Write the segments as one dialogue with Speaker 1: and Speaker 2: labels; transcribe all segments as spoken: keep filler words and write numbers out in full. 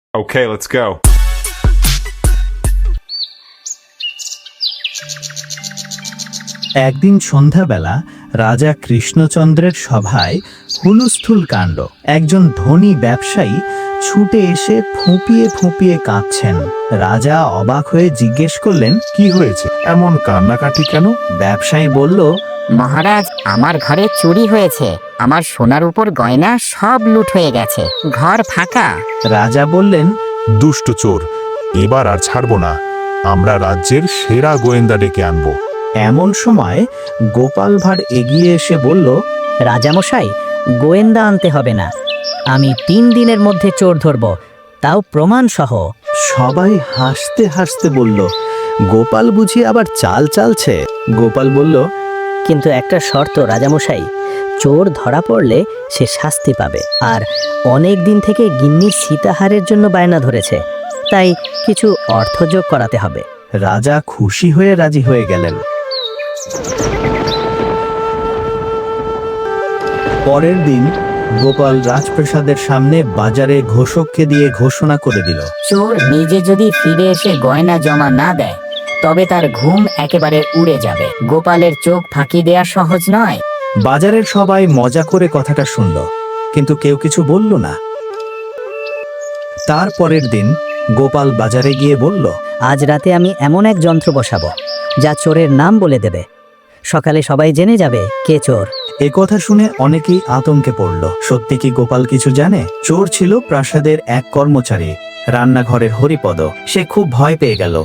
Speaker 1: Okay, let's go.
Speaker 2: একদিন সন্ধ্যাবেলা রাজা কৃষ্ণচন্দ্রের সভায় হুলস্থুল কাণ্ড। একজন ধনী ব্যবসায়ী ছুটে এসে ফুঁপিয়ে ফুঁপিয়ে কাঁদছেন। রাজা অবাক হয়ে জিজ্ঞেস করলেন,
Speaker 3: কি হয়েছে, এমন কান্নাকাটি কেন?
Speaker 2: ব্যবসায়ী বলল,
Speaker 4: মহারাজ, আমার ঘরে চুরি হয়েছে। আমার সোনার উপর গয়না সব লুট হয়ে গেছে, ঘর ফাঁকা।
Speaker 2: রাজা বললেন,
Speaker 3: দুষ্ট চোর, এবার আর ছাড়বো না। আমরা রাজ্যের সেরা গোয়েন্দা ডেকে আনবো।
Speaker 2: এমন সময় গোপাল ভাঁড় এগিয়ে এসে বলল,
Speaker 5: রাজামশাই, গোয়েন্দা আনতে হবে না, আমি তিন দিনের মধ্যে চোর ধরব, তাও প্রমাণ সহ।
Speaker 2: সবাই হাসতে হাসতে বলল, গোপাল বুঝি আবার চাল চালছে। গোপাল বলল,
Speaker 5: কিন্তু একটা শর্ত রাজামশাই, চোর ধরা পড়লে সে শাস্তি পাবে, আর অনেক দিন থেকে গিন্নির সীতাহারের জন্য বায়না ধরেছে, তাই কিছু অর্থ যোগ করাতে হবে।
Speaker 2: রাজা খুশি হয়ে রাজি হয়ে গেলেন। পরের দিন গোপাল রাজপ্রাসাদের সামনে বাজারে ঘোষককে দিয়ে ঘোষণা করে দিল,
Speaker 4: চোর নিজে যদি ফিরে এসে গয়না জমা না দেয়, তবে তার ঘুম একেবারে উড়ে যাবে। গোপালের চোখ ফাঁকি দেয়া সহজ নয়।
Speaker 2: বাজারের সবাই মজা করে কথাটা শুনল, কিন্তু কেউ কিছু বলল না। তার পরের দিন গোপাল বাজারে গিয়ে বলল,
Speaker 5: আজ রাতে আমি এমন এক যন্ত্র বসাবো যা চোরের নাম বলে দেবে, সকালে সবাই জেনে যাবে কে চোর।
Speaker 2: এ কথা শুনে অনেকেই আতঙ্কে পড়ল। সত্যি কি গোপাল কিছু জানে? চোর ছিল প্রাসাদের এক কর্মচারী, রান্নাঘরের হরিপদ। সে খুব ভয় পেয়ে গেল।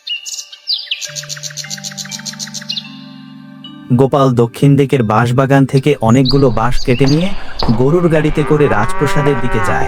Speaker 2: গোপাল দক্ষিণ দিকের বাঁশবাগান থেকে অনেকগুলো বাঁশ কেটে নিয়ে গরুর গাড়িতে করে রাজপ্রাসাদের দিকে যায়।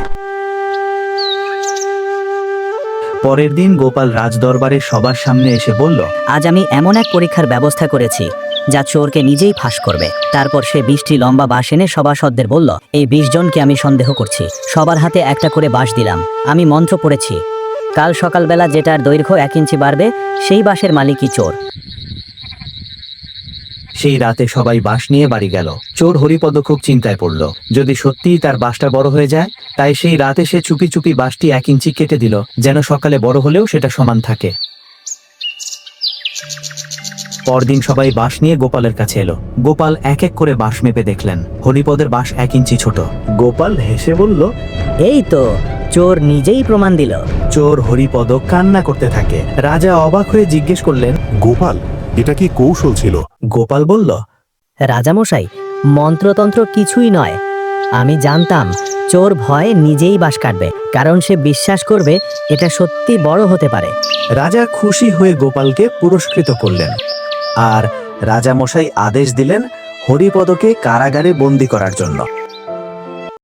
Speaker 2: পরের দিন গোপাল রাজদরবারে সবার সামনে এসে বলল,
Speaker 5: আজ আমি এমন এক পরীক্ষার ব্যবস্থা করেছি যা চোরকে নিজেই ফাঁস করবে। তারপর সে বিশটি লম্বা বাঁশ এনে সভাসদদের বলল, এই বিশ জনকে আমি সন্দেহ করছি। সবার হাতে একটা করে বাঁশ দিলাম। আমি মন্ত্র পড়েছি, কাল সকালবেলা যেটার দৈর্ঘ্য এক ইঞ্চি বাড়বে সেই বাঁশের মালিকই চোর।
Speaker 2: সেই রাতে সবাই বাঁশ নিয়ে বাড়ি গেল। চোর হরিপদ খুব চিন্তায় পড়ল, যদি সত্যিই তার বাঁশটা বড় হয়ে যায়। তাই সেই রাতে সে চুপি চুপি বাঁশটি এক ইঞ্চি কেটে দিল, যেন সকালে বড় হলেও সেটা সমান থাকে। পরদিন সবাই বাঁশ নিয়ে গোপালের কাছে এলো। গোপাল এক এক করে বাঁশ মেপে দেখলেন, হরিপদের বাঁশ এক ইঞ্চি ছোট। গোপাল হেসে বলল,
Speaker 5: এই তো চোর নিজেই প্রমাণ দিল।
Speaker 2: চোর হরিপদ কান্না করতে থাকে। রাজা অবাক হয়ে জিজ্ঞেস করলেন,
Speaker 3: গোপাল, এটা কি কৌশল ছিল?
Speaker 2: গোপাল বলল,
Speaker 5: রাজামশাই, মন্ত্রতন্ত্র কিছুই নয়। আমি জানতাম চোর ভয়ে নিজেই বাঁশ কাটবে, কারণ সে বিশ্বাস করবে এটা সত্যি বড় হতে পারে।
Speaker 2: রাজা খুশি হয়ে গোপালকে পুরস্কৃত করলেন, আর রাজামশাই আদেশ দিলেন হরিপদকে কারাগারে বন্দী করার জন্য।